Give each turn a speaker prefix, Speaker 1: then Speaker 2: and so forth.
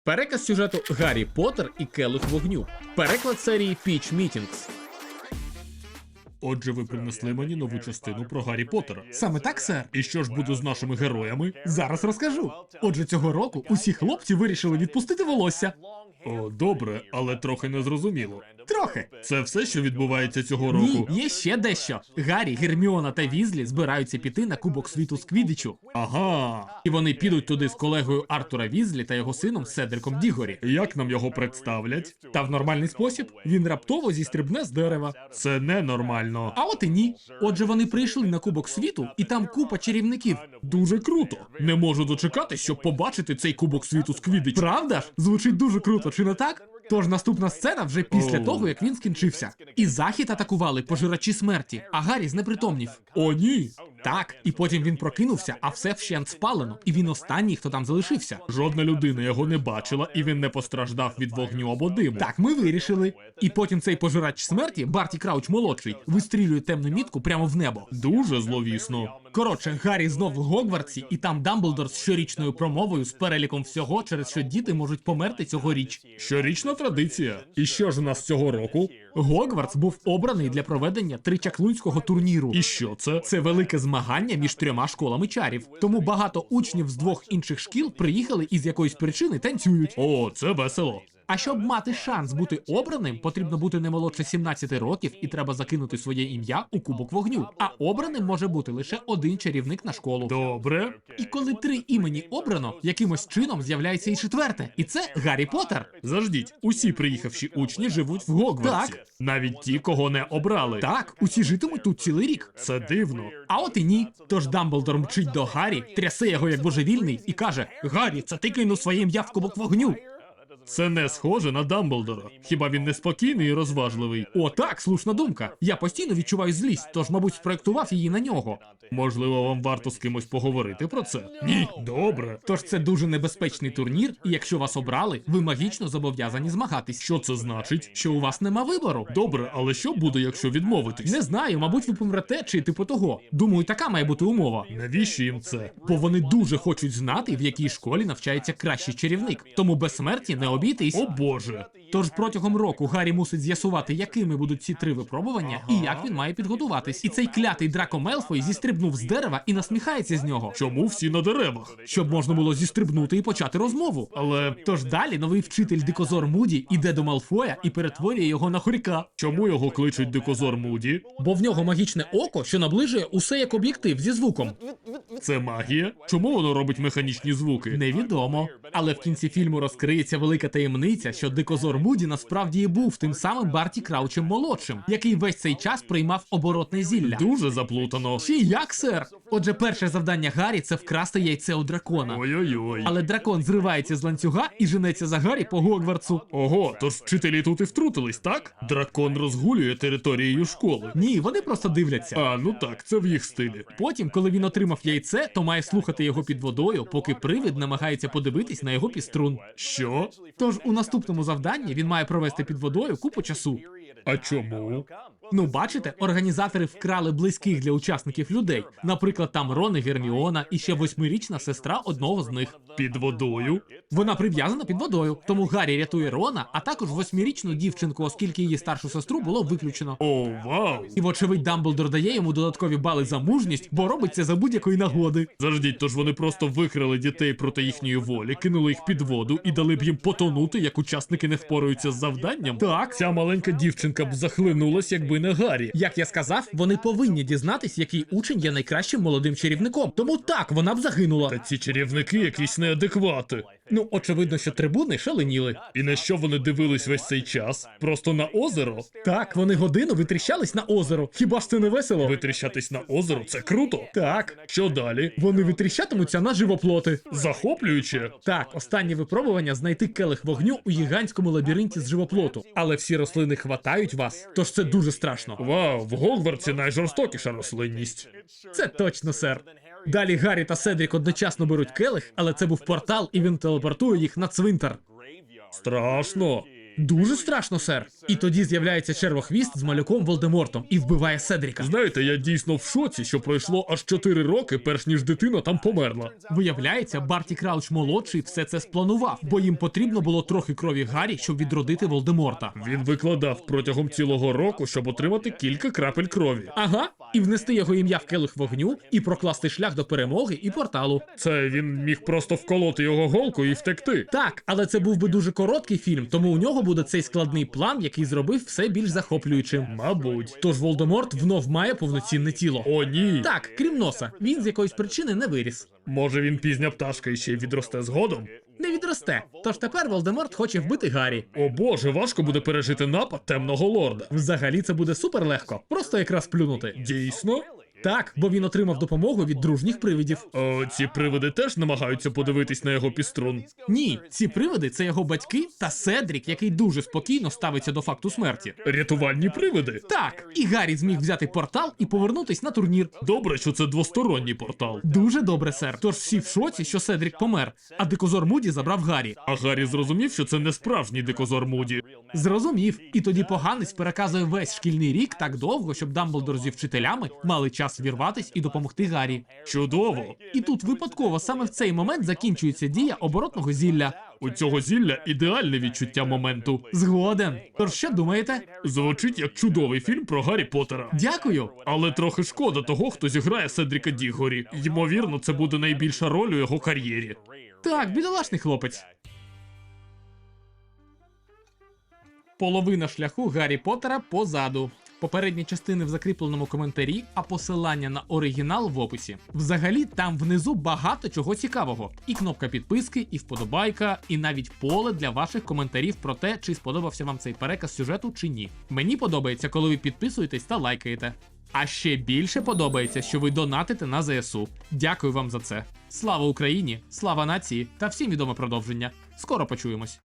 Speaker 1: Переказ сюжету Гаррі Поттер і Келих вогню. Переклад серії Pitch Meetings.
Speaker 2: Отже, ви принесли мені нову частину про Гаррі Поттера.
Speaker 1: Саме так, сер.
Speaker 2: І що ж буде з нашими героями?
Speaker 1: Зараз розкажу. Отже, цього року усі хлопці вирішили відпустити волосся.
Speaker 2: О, добре, але трохи незрозуміло.
Speaker 1: Трохи.
Speaker 2: Це все, що відбувається цього
Speaker 1: Ні,
Speaker 2: року?
Speaker 1: є ще дещо. Гаррі, Герміона та Візлі збираються піти на Кубок світу з Квіддічу.
Speaker 2: Ага.
Speaker 1: І вони підуть туди з колегою Артура Візлі та його сином Седриком Дігорі.
Speaker 2: Як нам його представлять?
Speaker 1: Та в нормальний спосіб він раптово зістрибне з дерева.
Speaker 2: Це ненормально.
Speaker 1: А от і ні. Отже, вони прийшли на Кубок світу, і там купа чарівників.
Speaker 2: Дуже круто. Не можу дочекатись, щоб побачити цей Кубок світу з Квіддічу.
Speaker 1: Правда ж? Звучить дуже круто, чи не так? Тож наступна сцена вже після
Speaker 2: Оу.
Speaker 1: того, як він скінчився. І захід атакували пожирачі смерті, а Гаррі знепритомнів.
Speaker 2: О, ні.
Speaker 1: Так, і потім він прокинувся, а все вщент спалено, і він останній, хто там залишився.
Speaker 2: Жодна людина його не бачила, і він не постраждав від вогню або диму.
Speaker 1: Так, ми вирішили. І потім цей пожирач смерті, Барті Крауч молодший, вистрілює темну мітку прямо в небо.
Speaker 2: Дуже зловісно.
Speaker 1: Коротше, Гаррі знов в Гогвартсі, і там Дамблдор з щорічною промовою з переліком всього, через що діти можуть померти цьогоріч.
Speaker 2: Щорічна традиція. І що ж у нас цього року?
Speaker 1: Гогвартс був обраний для проведення тричаклунського турніру.
Speaker 2: І що це?
Speaker 1: Це велике змагання між трьома школами чарів. Тому багато учнів з двох інших шкіл приїхали і з якоїсь причини танцюють.
Speaker 2: О, це весело.
Speaker 1: А щоб мати шанс бути обраним, потрібно бути не молодше 17 років і треба закинути своє ім'я у Кубок вогню. А обраним може бути лише один чарівник на школу.
Speaker 2: Добре.
Speaker 1: І коли 3 імені обрано, якимось чином з'являється і четверте. І це Гаррі Поттер.
Speaker 2: Заждіть, усі приїхавші учні живуть в Гогвартсі.
Speaker 1: Так.
Speaker 2: Навіть ті, кого не обрали.
Speaker 1: Так, усі житимуть тут цілий рік.
Speaker 2: Це дивно.
Speaker 1: А от і ні. Тож Дамблдор мчить до Гаррі, трясе його як божевільний і каже: «Гаррі, це ти кинув своє ім'я в Кубок вогню».
Speaker 2: Це не схоже на Дамблдора. Хіба він не спокійний і розважливий?
Speaker 1: О, так, слушна думка. Я постійно відчуваю злість, тож, мабуть, спроектував її на нього.
Speaker 2: Можливо, вам варто з кимось поговорити про це? Ні. Добре.
Speaker 1: Тож це дуже небезпечний турнір, і якщо вас обрали, ви магічно зобов'язані змагатись.
Speaker 2: Що це значить?
Speaker 1: Що у вас нема вибору?
Speaker 2: Добре, але що буде, якщо відмовитись?
Speaker 1: Не знаю, мабуть, ви помрете чи типу того. Думаю, така має бути умова.
Speaker 2: Навіщо їм це?
Speaker 1: Бо вони дуже хочуть знати, в якій школі навчається кращий чарівник. Тому безсмерті не обійтись.
Speaker 2: О боже.
Speaker 1: Тож протягом року Гаррі мусить з'ясувати, якими будуть ці 3 випробування і як він має підготуватись. І цей клятий Драко Мелфой зістрибнув з дерева і насміхається з нього,
Speaker 2: Чому всі на деревах?
Speaker 1: щоб можна було зістрибнути і почати розмову.
Speaker 2: Але
Speaker 1: Тож далі новий вчитель Дикозор Муді іде до Малфоя і перетворює його на хорька.
Speaker 2: чому його кличуть Дикозор Муді?
Speaker 1: Бо в нього магічне око, що наближує усе як об'єктив зі звуком.
Speaker 2: Це магія? Чому воно робить механічні звуки?
Speaker 1: Невідомо. Але в кінці фільму розкриється велика таємниця, що Дикозор Муді насправді і був тим самим Барті Краучем молодшим, який весь цей час приймав оборотне зілля.
Speaker 2: Дуже заплутано.
Speaker 1: Чи як, сер? Отже, перше завдання Гаррі – це вкрасти яйце у дракона.
Speaker 2: Ой-ой-ой.
Speaker 1: Але дракон зривається з ланцюга і женеться за Гаррі по Гогвартсу.
Speaker 2: Ого, тож вчителі тут і втрутились, так? Дракон розгулює територією школи.
Speaker 1: Ні, вони просто дивляться.
Speaker 2: А, ну так, це в їх стилі.
Speaker 1: Потім, коли він отримав яйце, то має слухати його під водою, поки привид намагається подивитись на його піструн.
Speaker 2: Що?
Speaker 1: Тож у наступному завданні він має провести під водою купу часу.
Speaker 2: А чому?
Speaker 1: Ну, бачите, організатори вкрали близьких для учасників людей. Наприклад, там Рон і Герміона, і ще 8-річна сестра одного з них.
Speaker 2: Під водою?
Speaker 1: Вона прив'язана під водою, тому Гаррі рятує Рона, а також 8-річну дівчинку, оскільки її старшу сестру було виключено.
Speaker 2: О, вау!
Speaker 1: І вочевидь Дамблдор дає йому додаткові бали за мужність, бо робить це за будь-якої нагоди.
Speaker 2: Заждіть, тож вони просто викрали дітей проти їхньої волі, кинули їх під воду і дали б їм потонути, як учасники не впораються з завданням?
Speaker 1: Так.
Speaker 2: Ця маленька дівчинка б захлинулась, якби не Гаррі.
Speaker 1: Як я сказав, вони повинні дізнатись, який учень є найкращим молодим чарівником. Тому так, вона б загинула.
Speaker 2: Та ці чарівники якісь неадеквати.
Speaker 1: Ну, очевидно, що трибуни шаленіли.
Speaker 2: І на що вони дивились весь цей час? Просто на озеро?
Speaker 1: Так, вони годину витріщались на озеро. Хіба ж це не весело?
Speaker 2: Витріщатись на озеро – це круто.
Speaker 1: Так.
Speaker 2: Що далі?
Speaker 1: Вони витріщатимуться на живоплоти.
Speaker 2: Захоплююче?
Speaker 1: Так, останнє випробування знайти келих вогню у гігантському лабіринті з живоплоту. Але всі рослини хватають вас, тож це дуже страшно.
Speaker 2: Вау, в Гогвартсі найжорстокіша рослинність.
Speaker 1: Це точно, сер. Далі Гаррі та Седрік одночасно беруть келих, але це був портал, і він телепортує їх на цвинтар.
Speaker 2: Страшно.
Speaker 1: Дуже страшно, сер. І тоді з'являється червохвіст з малюком Волдемортом і вбиває Седріка.
Speaker 2: Знаєте, я дійсно в шоці, що пройшло аж 4 роки, перш ніж дитина там померла.
Speaker 1: Виявляється, Барті Крауч молодший все це спланував, бо їм потрібно було трохи крові Гаррі, щоб відродити Волдеморта.
Speaker 2: Він викладав протягом цілого року, щоб отримати кілька крапель крові.
Speaker 1: Ага, і внести його ім'я в келих вогню, і прокласти шлях до перемоги і порталу.
Speaker 2: Це він міг просто вколоти його голкою і втекти.
Speaker 1: Так, але це був би дуже короткий фільм, тому у нього буде цей складний план, який зробив все більш захоплюючим.
Speaker 2: Мабуть.
Speaker 1: Тож Волдеморт внов має повноцінне тіло.
Speaker 2: О, ні.
Speaker 1: Так, крім носа, він з якоїсь причини не виріс.
Speaker 2: Може він пізня пташка і ще й відросте згодом?
Speaker 1: Не відросте. Тож тепер Волдеморт хоче вбити Гаррі.
Speaker 2: О боже, важко буде пережити напад темного лорда.
Speaker 1: Взагалі це буде супер легко, просто якраз плюнути.
Speaker 2: Дійсно?
Speaker 1: Так, бо він отримав допомогу від дружніх привидів.
Speaker 2: Ці привиди теж намагаються подивитись на його піструн.
Speaker 1: Ні, ці привиди це його батьки та Седрік, який дуже спокійно ставиться до факту смерті.
Speaker 2: Рятувальні привиди?
Speaker 1: Так, і Гаррі зміг взяти портал і повернутись на турнір.
Speaker 2: Добре, що це двосторонній портал.
Speaker 1: Дуже добре, сер. Тож всі в шоці, що Седрік помер, а дикозор Муді забрав Гаррі.
Speaker 2: А Гаррі зрозумів, що це не справжній дикозор Муді.
Speaker 1: Зрозумів. І тоді поганець переказує весь шкільний рік так довго, щоб Дамблдор зі вчителями мали час вірватись і допомогти Гаррі.
Speaker 2: Чудово!
Speaker 1: І тут випадково саме в цей момент закінчується дія оборотного зілля.
Speaker 2: У цього зілля ідеальне відчуття моменту.
Speaker 1: Згоден. Тож що думаєте?
Speaker 2: Звучить як чудовий фільм про Гаррі Поттера.
Speaker 1: Дякую.
Speaker 2: Але трохи шкода того, хто зіграє Седріка Діггорі. Ймовірно, це буде найбільша роль у його кар'єрі.
Speaker 1: Так, бідолашний хлопець. Половина шляху Гаррі Поттера позаду. Попередні частини в закріпленому коментарі, а посилання на оригінал в описі. Взагалі, там внизу багато чого цікавого. І кнопка підписки, і вподобайка, і навіть поле для ваших коментарів про те, чи сподобався вам цей переказ сюжету чи ні. Мені подобається, коли ви підписуєтесь та лайкаєте. А ще більше подобається, що ви донатите на ЗСУ. Дякую вам за це. Слава Україні, слава нації та всім відоме продовження. Скоро почуємось.